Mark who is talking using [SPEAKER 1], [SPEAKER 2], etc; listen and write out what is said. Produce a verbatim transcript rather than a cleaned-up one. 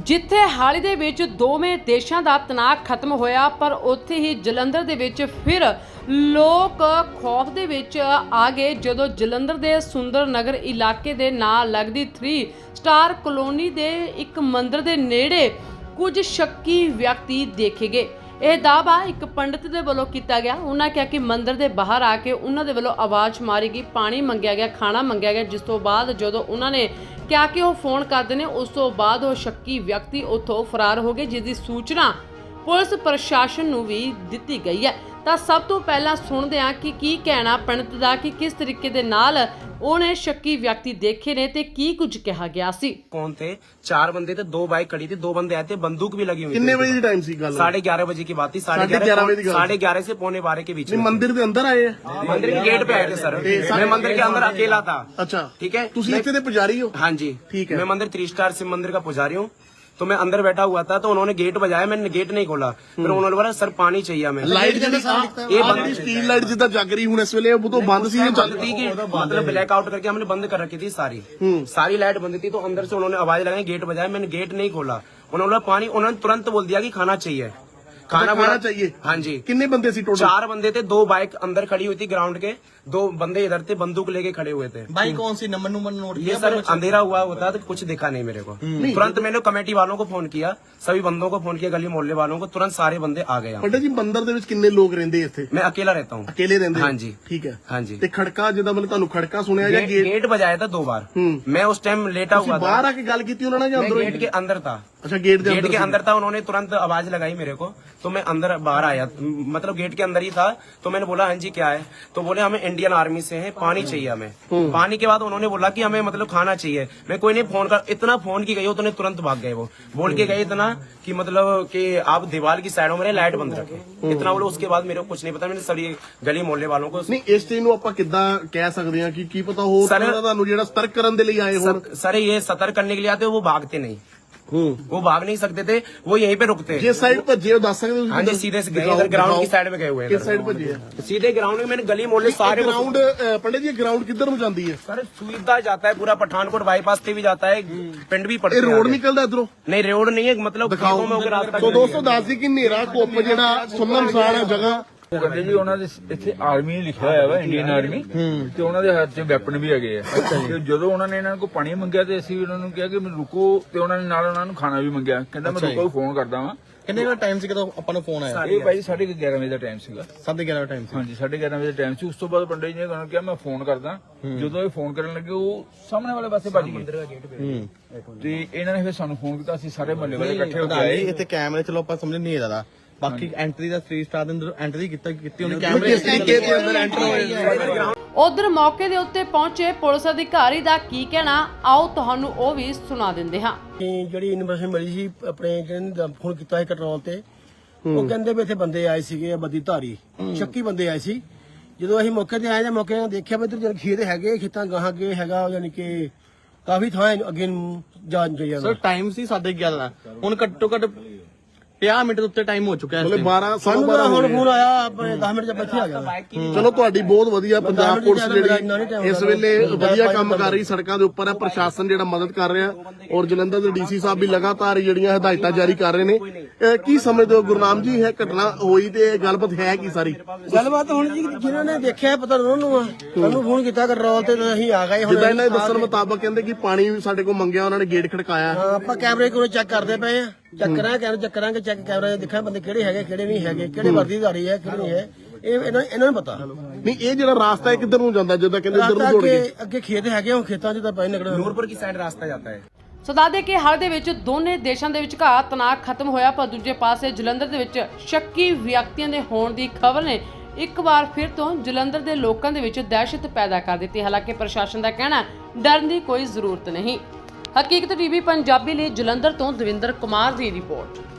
[SPEAKER 1] ਜਿੱਥੇ ਹਾਲ ਹੀ ਦੇ ਵਿੱਚ ਦੋਵੇਂ ਦੇਸ਼ਾਂ ਦਾ ਤਣਾਅ ਖਤਮ ਹੋਇਆ, ਪਰ ਉੱਥੇ ਹੀ ਜਲੰਧਰ ਦੇ ਵਿੱਚ ਫਿਰ ਲੋਕ ਖੌਫ ਦੇ ਵਿੱਚ ਆ ਗਏ ਜਦੋਂ ਜਲੰਧਰ ਦੇ ਸੁੰਦਰ ਨਗਰ ਇਲਾਕੇ ਦੇ ਨਾਲ ਲੱਗਦੀ ਥ੍ਰੀ ਸਟਾਰ ਕਲੋਨੀ ਦੇ ਇੱਕ ਮੰਦਿਰ ਦੇ ਨੇੜੇ ਕੁਝ ਸ਼ੱਕੀ ਵਿਅਕਤੀ ਦੇਖੇ ਗਏ। ਇਹ ਦਾਅਵਾ ਇੱਕ ਪੰਡਿਤ ਦੇ ਵੱਲੋਂ ਕੀਤਾ ਗਿਆ। ਉਹਨਾਂ ਕਿਹਾ ਕਿ ਮੰਦਿਰ ਦੇ ਬਾਹਰ ਆ ਕੇ ਉਹਨਾਂ ਦੇ ਵੱਲੋਂ ਆਵਾਜ਼ ਮਾਰੀ ਗਈ, ਪਾਣੀ ਮੰਗਿਆ ਗਿਆ, ਖਾਣਾ ਮੰਗਿਆ ਗਿਆ, ਜਿਸ ਤੋਂ ਬਾਅਦ ਜਦੋਂ ਉਹਨਾਂ ਨੇ ਕਿਹਾ ਕਿ ਉਹ ਫੋਨ ਕਰਦੇ ਨੇ, ਉਸ ਤੋਂ ਬਾਅਦ ਉਹ ਸ਼ੱਕੀ ਵਿਅਕਤੀ ਉੱਥੋਂ ਫਰਾਰ ਹੋ ਗਏ, ਜਿਸ ਦੀ ਸੂਚਨਾ ਪੁਲਿਸ ਪ੍ਰਸ਼ਾਸਨ ਨੂੰ ਵੀ ਦਿੱਤੀ ਗਈ ਹੈ। ਤਾਂ ਸਭ ਤੋਂ ਪਹਿਲਾਂ ਸੁਣਦੇ ਹਾਂ ਕਿ ਕੀ ਕਹਿਣਾ ਪੰਡਿਤ ਦਾ, ਕਿ ਕਿਸ ਤਰੀਕੇ ਦੇ ਨਾਲ ਉਹਨੇ ਸ਼ੱਕੀ ਵਿਅਕਤੀ ਦੇਖੇ ने ਤੇ ਕੀ ਕੁਝ ਕਿਹਾ ਗਿਆ ਸੀ।
[SPEAKER 2] कौन थे? चार बंदे थे, दो बाइक खड़ी थी, दो बंदे आए थे, बंदूक भी लगी हुई थी।
[SPEAKER 3] कितने बजे की टाइम सी गल?
[SPEAKER 2] साढ़े ग्यारह बजे की बात थी। साढ़े
[SPEAKER 3] साढ़े ग्यारह बजे की गल?
[SPEAKER 2] साढ़े ग्यारह से पौने बारह के बीच में।
[SPEAKER 3] मंदिर के अंदर आए हैं?
[SPEAKER 2] मंदिर के गेट पे आए थे सर। मैं मंदिर के अंदर अकेला था।
[SPEAKER 3] अच्छा,
[SPEAKER 2] ठीक है।
[SPEAKER 3] तुसी इत्थे दे पुजारी हो?
[SPEAKER 2] हाँ जी,
[SPEAKER 3] ठीक है।
[SPEAKER 2] मैं मंदिर थ्री स्टार शिव मंदिर का पुजारी हूँ। तो मैं अंदर बैठा हुआ था, तो उन्होंने गेट बजाया, मैंने गेट नहीं खोला। फिर उन्होंने बोला सर पानी चाहिए हमें।
[SPEAKER 3] लाइट जल्दी
[SPEAKER 2] ये बंद
[SPEAKER 3] स्टील लाइट जिदा जग रही हूं इस वेले वो तो बंद सी
[SPEAKER 2] बंद थी कि मतलब ब्लैक आउट करके हमने बंद कर रखी थी सारी सारी लाइट बंद थी। तो अंदर से उन्होंने आवाज लगाई, गेट बजाया, मैंने गेट नहीं खोला। उन्होंने बोला पानी, उन्होंने तुरंत बोल दिया कि खाना चाहिए।
[SPEAKER 3] खाना खाना चाहिए?
[SPEAKER 2] हाँ जी।
[SPEAKER 3] कितने बंदे सी टोटल?
[SPEAKER 2] चार बंदे थे, दो बाइक अंदर खड़ी हुई थी ग्राउंड के, दो बंदे इधर थे, बंदूक लेके खड़े हुए थे।
[SPEAKER 4] बाइक कौन सी नंबर नंबर नोट
[SPEAKER 2] ये सर अंधेरा हुआ होता तो कुछ दिखा नहीं मेरे को। तुरंत मैंने कमेटी वालों को फोन किया, सभी बंदों को फोन किया, गली मोहल्ले वालों को, तुरंत सारे बंदे आ गए।
[SPEAKER 3] पंडित जी मंदिर ਦੇ ਵਿੱਚ ਕਿੰਨੇ ਲੋਕ ਰਹਿੰਦੇ ਇੱਥੇ?
[SPEAKER 2] मैं अकेला रहता हूँ।
[SPEAKER 3] ਅਕੇਲੇ ਰਹਿੰਦੇ?
[SPEAKER 2] हाँ जी।
[SPEAKER 3] ਠੀਕ ਹੈ।
[SPEAKER 2] हाँ जी।
[SPEAKER 3] ਤੇ ਖੜਕਾ ਜਿਹਦਾ ਮਤਲਬ ਤੁਹਾਨੂੰ ਖੜਕਾ ਸੁਣਿਆ ਜਾਂ
[SPEAKER 2] गेट,
[SPEAKER 3] ਗੇਟ?
[SPEAKER 2] गेट बजाया था दो बार। मैं उस टाइम लेटा
[SPEAKER 3] ਤੁਸੀਂ
[SPEAKER 2] हुआ था।
[SPEAKER 3] ਬਾਹਰ ਆ ਕੇ ਗੱਲ ਕੀਤੀ ਉਹਨਾਂ ਨਾਲ ਜਾਂ
[SPEAKER 2] मैं
[SPEAKER 3] ਅੰਦਰੋਂ?
[SPEAKER 2] गेट के अंदर था।
[SPEAKER 3] अच्छा, गेट ਦੇ
[SPEAKER 2] गेट
[SPEAKER 3] ਅੰਦਰ
[SPEAKER 2] के
[SPEAKER 3] ਸੀ।
[SPEAKER 2] अंदर था, उन्होंने तुरंत आवाज लगाई मेरे को, तो मैं अंदर बाहर आया, मतलब गेट के अंदर ही था। तो मैंने बोला हाँ जी क्या है? तो बोले हमें इंडियन आर्मी से है, पानी चाहिए हमें। पानी के बाद उन्होंने बोला कि हमें मतलब खाना चाहिए। मैं कोई नहीं फोन कर, इतना फोन की गई हो तो उन्हें तुरंत भाग गए। वो बोल के गए इतना कि मतलब कि आप दीवार की साइडों में लाइट बंद रखे, इतना बोलो। उसके बाद मेरे को कुछ नहीं पता। मैंने सभी गली मोहल्ले वालों को
[SPEAKER 3] ਨਹੀਂ ਇਸ ਚੀਜ਼ ਨੂੰ ਆਪਾਂ ਕਿੱਦਾਂ ਕਹਿ ਸਕਦੇ ਹਾਂ ਕਿ ਕੀ ਪਤਾ ਹੋਰ
[SPEAKER 2] ਸਰ-
[SPEAKER 3] ਤਰ੍ਹਾਂ ਦਾ ਤੁਹਾਨੂੰ ਜਿਹੜਾ ਸਤਰਕ ਕਰਨ ਦੇ ਲਈ ਆਏ ਹੋਣ?
[SPEAKER 2] सर, सर ये सतर्क करने के लिए आते, वो भागते नहीं, वो भाग नहीं सकते थे, वो यहीं पे रुकते।
[SPEAKER 3] ਜੇ ਸਾਈਡ ਭੱਜੇ ਉਹ ਦੱਸ ਸਕਦੇ ਹੋ?
[SPEAKER 2] हाँ जी, सीधे से गए इधर ग्राउंड की साइड में गए हुए हैं।
[SPEAKER 3] ਕਿਸ ਸਾਈਡ ਭੱਜੇ ਆ?
[SPEAKER 2] सीधे ग्राउंड में मैंने गली मोहल्ले सारे को-
[SPEAKER 3] ग्राउंड पंडित जी ग्राउंड किधर ਨੂੰ ਜਾਂਦੀ ਹੈ?
[SPEAKER 2] सर सुविधा जाता है पूरा, पठानकोट बाईपास से भी जाता है, पिंड भी पड़ते
[SPEAKER 3] ਇਹ
[SPEAKER 2] हैं
[SPEAKER 3] ਰੋਡ
[SPEAKER 2] आगे।
[SPEAKER 3] ਨਿਕਲਦਾ ਇਧਰੋਂ?
[SPEAKER 2] नहीं रोड नहीं है, मतलब
[SPEAKER 3] ਦਿਖਾਓ।
[SPEAKER 2] खेतों में होकर रास्ता
[SPEAKER 3] ਸੋ ਦੋਸਤੋ ਦੱਸ ਦੀ ਕਿ ਹਨੇਰਾ ਕੁੱਪ ਜਿਹੜਾ ਸੁੰਨਮਸਾਨ ਹੈ ਜਗ੍ਹਾ।
[SPEAKER 5] ਉਹ ਕਹਿੰਦੇ ਜੀ ਉਹਨਾਂ ਦੇ ਇੱਥੇ ਆਰਮੀ ਲਿਖਿਆ ਹੋਇਆ ਵਾ, ਇੰਡੀਅਨ ਆਰਮੀ, ਤੇ ਉਹਨਾਂ ਦੇ ਹੱਥ 'ਚ ਵੈਪਨ ਵੀ ਹੈਗੇ ਆ। ਤੇ ਜਦੋਂ ਉਹਨਾਂ ਨੇ ਇਹਨਾਂ ਕੋਲ ਪਾਣੀ ਮੰਗਿਆ ਤੇ ਅਸੀਂ ਉਹਨਾਂ ਨੂੰ ਕਿਹਾ ਕਿ ਮੈਨੂੰ ਰੁਕੋ, ਤੇ ਉਹਨਾਂ ਨੇ ਨਾਲ ਉਹਨਾਂ ਨੂੰ ਖਾਣਾ ਵੀ ਮੰਗਿਆ। ਕਹਿੰਦਾ ਮੈਂ ਰੁਕੋ, ਫੋਨ ਕਰਦਾ ਵਾਂ।
[SPEAKER 4] ਕਿੰਨੇ ਦਾ ਟਾਈਮ ਸੀ ਜਦੋਂ ਆਪਾਂ ਨੂੰ ਫੋਨ ਆਇਆ?
[SPEAKER 5] ਇਹ ਭਾਈ ਸਾਢੇ ਗਿਆਰਾਂ ਵਜੇ ਦਾ ਟਾਈਮ ਸੀਗਾ।
[SPEAKER 4] ਸਾਢੇ ਗਿਆਰਾਂ ਦਾ ਟਾਈਮ ਸੀ।
[SPEAKER 5] ਹਾਂਜੀ, ਸਾਢੇ ਗਿਆਰਾਂ ਵਜੇ ਦਾ ਟਾਈਮ ਸੀ। ਉਸ ਤੋਂ ਬਾਅਦ ਪੰਡਿਤ ਜੀ ਨੇ ਉਹਨਾਂ ਨੂੰ ਕਿਹਾ ਮੈਂ ਫੋਨ ਕਰਦਾ। ਜਦੋਂ ਇਹ ਫੋਨ ਕਰਨ ਲੱਗੇ ਉਹ ਸਾਹਮਣੇ ਵਾਲੇ ਪਾਸੇ ਭੱਜ ਗਏ, ਤੇ ਇਹਨਾਂ ਨੇ ਫਿਰ ਸਾਨੂੰ ਫੋਨ ਕੀਤਾ। ਅਸੀਂ ਸਾਰੇ ਮਹੱਲੇ ਵਾਲੇ ਇਕੱਠੇ ਹੋ ਕੇ
[SPEAKER 4] ਪਤਾ
[SPEAKER 5] ਆਏ।
[SPEAKER 4] ਨਹੀਂ ਇੱਥੇ ਕੈਮਰੇ ਚਲੋ ਆਪਾਂ ਸਮਝ ਨਹੀਂ ਆਦਾ। ਬਾਕੀ ਐਂਟਰੀ ਦਾ ਥ੍ਰੀ ਸਟਾਰ ਦੇ ਅੰਦਰ ਐਂਟਰੀ ਕੀਤਾ ਕੀਤੀ ਉਹਨੇ ਕੈਮਰੇ
[SPEAKER 3] ਕਿਸ ਤਰੀਕੇ ਦੇ ਅੰਦਰ ਐਂਟਰ ਹੋਏ?
[SPEAKER 1] ਉਧਰ ਮੌਕੇ ਦੇ ਉੱਤੇ ਪਹੁੰਚੇ ਪੁਲਿਸ ਅਧਿਕਾਰੀ ਦਾ ਕੀ ਕਹਿਣਾ, ਆਓ ਤੁਹਾਨੂੰ ਉਹ ਵੀ ਸੁਣਾ ਦਿੰਦੇ ਹਾਂ।
[SPEAKER 6] ਜਿਹੜੀ ਇਨਫੋਰਮੇਸ਼ਨ ਮਿਲੀ ਸੀ ਆਪਣੇ ਜਿਹਨੇ ਫੋਨ ਕੀਤਾ ਹੈ ਕੰਟਰੋਲ ਤੇ, ਉਹ ਕਹਿੰਦੇ ਵੀ ਇੱਥੇ ਬੰਦੇ ਆਏ ਸੀਗੇ ਬੱਦੀ ਧਾਰੀ, ਸ਼ੱਕੀ ਬੰਦੇ ਆਏ ਸੀ। ਜਦੋਂ ਅਸੀਂ ਮੌਕੇ ਤੇ ਆਏ ਤਾਂ ਮੌਕੇ ਤੇ ਦੇਖਿਆ ਵੀ ਇੱਧਰ ਜਿਹੜੇ ਖੇਤ ਹੈਗੇ, ਖੇਤਾਂ ਗਾਹਾਂ ਅੱਗੇ ਹੈਗਾ, ਯਾਨੀ ਕਿ ਕਾਫੀ ਥਾਂ ਅੱਗੇ ਨੂੰ ਜਾਣ ਚਾਹੀਦਾ।
[SPEAKER 4] ਸਰ ਟਾਈਮ ਸੀ ਸਾਢੇ ਗਿਆਰਾਂ, ਹੁਣ ਘੱਟੋ ਘੱਟ ਪੰਜਾਹ ਮਿੰਟ ਦੇ ਉੱਤੇ ਟਾਈਮ ਹੋ ਚੁੱਕਾ ਹੈ।
[SPEAKER 3] ਮਤਲਬ ਬਾਰਾਂ
[SPEAKER 6] ਸਾਨੂੰ
[SPEAKER 3] ਬਾਰਾਂ
[SPEAKER 6] ਤਾਂ ਹੁਣ
[SPEAKER 3] ਹੋ ਗਏ।
[SPEAKER 6] ਫੋਨ ਆਇਆ ਆਪਣੇ ਦਸ ਮਿੰਟ ਚ ਬੱਚੇ ਆ ਗਿਆ।
[SPEAKER 3] ਚਲੋ ਤੁਹਾਡੀ ਬਹੁਤ ਵਧੀਆ ਪੰਜਾਬ
[SPEAKER 6] ਦਸ
[SPEAKER 3] ਪੁਲਿਸ
[SPEAKER 6] ਮਿੰਟ
[SPEAKER 3] ਜਿਹੜੀ ਇਸ ਵੇਲੇ ਵਧੀਆ ਕੰਮ ਕਰ ਰਹੀ, ਸੜਕਾਂ ਦੇ ਉੱਪਰ ਹੈ, ਪ੍ਰਸ਼ਾਸਨ ਜਿਹੜਾ ਮਦਦ ਕਰ ਰਿਹਾ, ਔਰ ਜਲੰਧਰ ਦੇ ਡੀਸੀ ਸਾਹਿਬ ਵੀ ਲਗਾਤਾਰ ਜਿਹੜੀਆਂ ਹਦਾਇਤਾਂ ਜਾਰੀ ਕਰ ਰਹੇ ਨੇ। ਅਹ ਕੀ ਸਮਝਦੇ ਹੋ ਗੁਰਨਾਮ ਜੀ, ਇਹ ਘਟਨਾ ਹੋਈ ਤੇ ਗੱਲਬਾਤ ਹੈ ਕੀ ਸਾਰੀ?
[SPEAKER 6] ਗੱਲਬਾਤ ਹੁਣ ਜੀ ਜਿਨ੍ਹਾਂ ਨੇ ਦੇਖਿਆ ਪਤਾ ਉਹਨਾਂ ਨੂੰ ਆ, ਸਾਨੂੰ ਫੋਨ ਕੀਤਾ ਕੰਟਰੋਲ ਤੇ ਤੇ ਅਸੀਂ ਆ ਗਏ। ਹੁਣ
[SPEAKER 3] ਜਿੱਦਾਂ ਇਹਨਾਂ ਦੇ ਦੱਸਣ ਮੁਤਾਬਕ ਕਹਿੰਦੇ ਕਿ ਪਾਣੀ ਵੀ ਸਾਡੇ ਕੋਲ ਮੰਗਿਆ, ਉਹਨਾਂ ਨੇ ਗੇਟ ਖੜਕਾਇਆ।
[SPEAKER 6] ਹਾਂ, ਆਪਾਂ ਕੈਮਰੇ ਕੋਲ ਚੈੱਕ ਕਰਦੇ ਪਏ ਆ, ਚੈੱਕ ਕਰਾਂਗੇ ਕੈਮਰੇ ਚੈੱਕ ਕਰਾਂਗੇ, ਚੈੱਕ ਕੈਮਰੇ ਦੇਖਾਂ ਬੰਦੇ ਕਿਹੜੇ ਹੈਗੇ ਕਿਹੜੇ ਨਹੀਂ ਹੈਗੇ, ਕਿਹੜੇ ਵਰਦੀਧਾਰੀ ਹੈ ਕਿਹੜੇ ਨਹੀਂ ਹੈ, ਇਹ ਇਹਨਾਂ ਇਹਨਾਂ ਨੂੰ ਪਤਾ।
[SPEAKER 3] ਨਹੀਂ ਇਹ ਜਿਹੜਾ ਰਾਸਤਾ ਹੈ ਕਿੱਧਰ ਨੂੰ ਜਾਂਦਾ? ਜਿੱਦਾਂ ਕਹਿੰਦੇ ਇੱਧਰ ਨੂੰ
[SPEAKER 6] ਰਾਸਤਾ
[SPEAKER 3] ਦੌੜ ਗਏ।
[SPEAKER 6] ਅੱਗੇ ਅੱਗੇ ਖੇਤ ਹੈਗੇ, ਉਹ ਖੇਤਾਂ 'ਚ ਤਾਂ ਪੈ ਨਿਕਲੇ।
[SPEAKER 2] नूरपुर की साइड रास्ता जाता है।
[SPEAKER 1] ਸੋ ਦੱਸਦੇ ਕਿ ਹਾਲ ਦੇ ਵਿੱਚ ਦੋਨੇ ਦੇਸ਼ਾਂ ਦੇ ਵਿਚਕਾਰ ਤਣਾਅ ਖਤਮ ਹੋਇਆ, ਪਰ ਦੂਜੇ ਪਾਸੇ ਜਲੰਧਰ ਦੇ ਵਿੱਚ ਸ਼ੱਕੀ ਵਿਅਕਤੀਆਂ ਦੇ ਹੋਣ ਦੀ ਖਬਰ ਨੇ ਇੱਕ ਵਾਰ ਫਿਰ ਤੋਂ ਜਲੰਧਰ ਦੇ ਲੋਕਾਂ ਦੇ ਵਿੱਚ ਦਹਿਸ਼ਤ ਪੈਦਾ ਕਰ ਦਿੱਤੀ। ਹਾਲਾਂਕਿ ਪ੍ਰਸ਼ਾਸਨ ਦਾ ਕਹਿਣਾ ਡਰਨ ਦੀ ਕੋਈ ਜ਼ਰੂਰਤ ਨਹੀਂ। ਹਕੀਕਤ ਟੀਵੀ ਪੰਜਾਬੀ ਲਈ ਜਲੰਧਰ ਤੋਂ ਦਵਿੰਦਰ ਕੁਮਾਰ ਦੀ ਰਿਪੋਰਟ।